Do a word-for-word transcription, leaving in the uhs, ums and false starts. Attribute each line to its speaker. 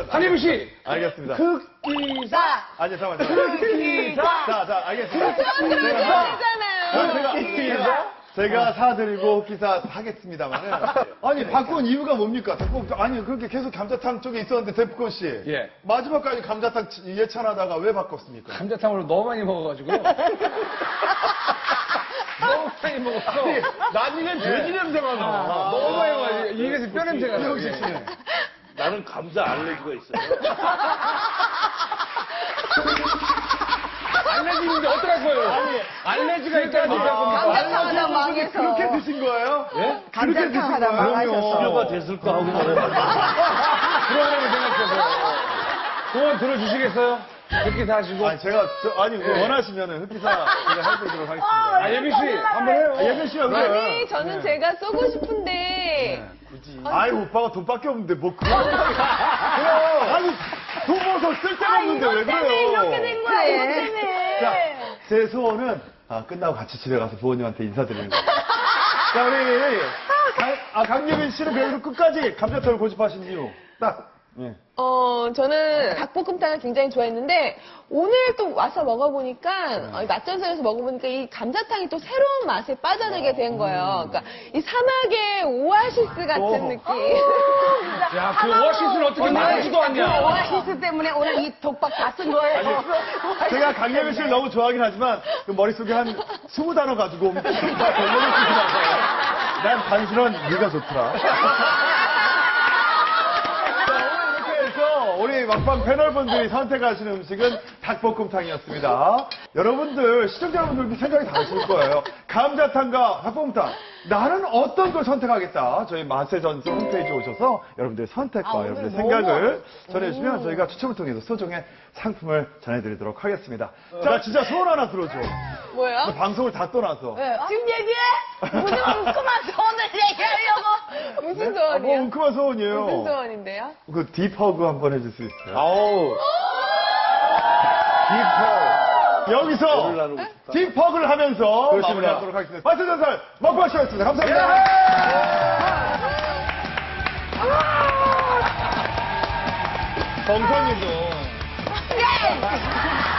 Speaker 1: 한혜민 씨.
Speaker 2: 알겠습니다.
Speaker 1: 흑기사.
Speaker 2: 아니, 잠깐만. 흑기사. 자, 자, 알겠습니다. 제가, 제가, 제가, 제가 사드리고 흑기사 하겠습니다만은. 아니, 바꾼 이유가 뭡니까? 대포, 아니, 그렇게 계속 감자탕 쪽에 있었는데, 대포권 씨.
Speaker 1: 예.
Speaker 2: 마지막까지 감자탕 예찬하다가 왜 바꿨습니까?
Speaker 1: 감자탕으로 너무 많이 먹어가지고. 너무 많이 먹었어.
Speaker 2: 나중엔 돼지 냄새가 나.
Speaker 1: 너무 많이 먹어가지고. 입에서 뼈 냄새가 나.
Speaker 2: 형식 씨는.
Speaker 3: 나는 감자 알레르기가 있어요.
Speaker 1: 알레르기 있는데 어떡할 거예요? 아니, 알레르기가 있다는 얘기하고.
Speaker 4: 감자탕 하다 망해서.
Speaker 2: 그렇게 드신 거예요?
Speaker 1: 예?
Speaker 4: 감자탕 하다 망하셨어.
Speaker 3: 치료가 됐을까 하고 말해요.
Speaker 1: 프로그램을 생각해서. 소원 들어주시겠어요? 흑기사 하시고.
Speaker 2: 아니, 제가, 저, 아니, 원하시면은 흑기사 제가 해드리도록 하겠습니다.
Speaker 1: 아, 예빈 씨, 한번 해요.
Speaker 2: 아, 예빈 씨가 왜?
Speaker 5: 아니, 저는 제가 쏘고 싶은데.
Speaker 2: 굳이. 아이, 오빠가 돈밖에 없는데, 뭐, 그런 그럼 아니, 돈 벌어서 쓸 데가 없는데, 왜 그래요?
Speaker 5: 이렇게 된 거야, 이거 때문에.
Speaker 2: 자, 제 소원은, 아, 끝나고 같이 집에 가서 부모님한테 인사드리는 거예요. 자, 우리, 강, 아, 강예빈 씨는 그래도 끝까지 감자탕을 고집하신 이유. 딱. 예.
Speaker 5: 어, 저는 닭볶음탕을 굉장히 좋아했는데, 오늘 또 와서 먹어보니까, 어, 이 맛전설에서 먹어보니까 이 감자탕이 또 새로운 맛에 빠져들게 된 거예요. 그러니까 이 사막의 오아시스 같은
Speaker 2: 오.
Speaker 5: 느낌.
Speaker 1: 야, 그 오아시스를 어떻게 말하지도 않냐.
Speaker 4: 오아시스 때문에 오늘 이 독박 다 쓴 거예요.
Speaker 2: 제가 강예빈 씨를 너무 좋아하긴 하지만, 그 머릿속에 한 스무 단어 가지고 오면 다 별로를 쓰시라고. 난 단순한 네가 좋더라. 우리 막방 패널분들이 선택하시는 음식은 닭볶음탕이었습니다. 여러분들, 시청자 여러분들도 생각이 다르실 거예요. 감자탕과 닭볶음탕. 나는 어떤 걸 선택하겠다. 저희 맛의 전수 홈페이지에 오셔서 여러분들의 선택과
Speaker 4: 아,
Speaker 2: 여러분들의
Speaker 4: 오늘
Speaker 2: 생각을 전해주시면 저희가 추첨을 통해서 소정의 상품을 전해드리도록 하겠습니다. 자, 진짜 소원 하나 들어줘.
Speaker 5: 뭐예요?
Speaker 2: 방송을 다 떠나서.
Speaker 4: 네, 지금 얘기해? 무슨 웅큼한 소원을 얘기하려고?
Speaker 5: 무슨
Speaker 2: 아, 뭐
Speaker 5: 소원이요?
Speaker 2: 웅큼한 소원이에요.
Speaker 5: 무슨 소원인데요?
Speaker 2: 그 딥허그 한번 해줄 수 있어요?
Speaker 3: 아우. 딥허.
Speaker 2: 여기서
Speaker 3: 열을 나누고 싶다.
Speaker 2: 딥허그를 하면서
Speaker 1: 그렇습니다.
Speaker 2: 마무리하도록 하겠습니다. 마스터 전설 먹방 쇼였습니다. 감사합니다. 정선님도.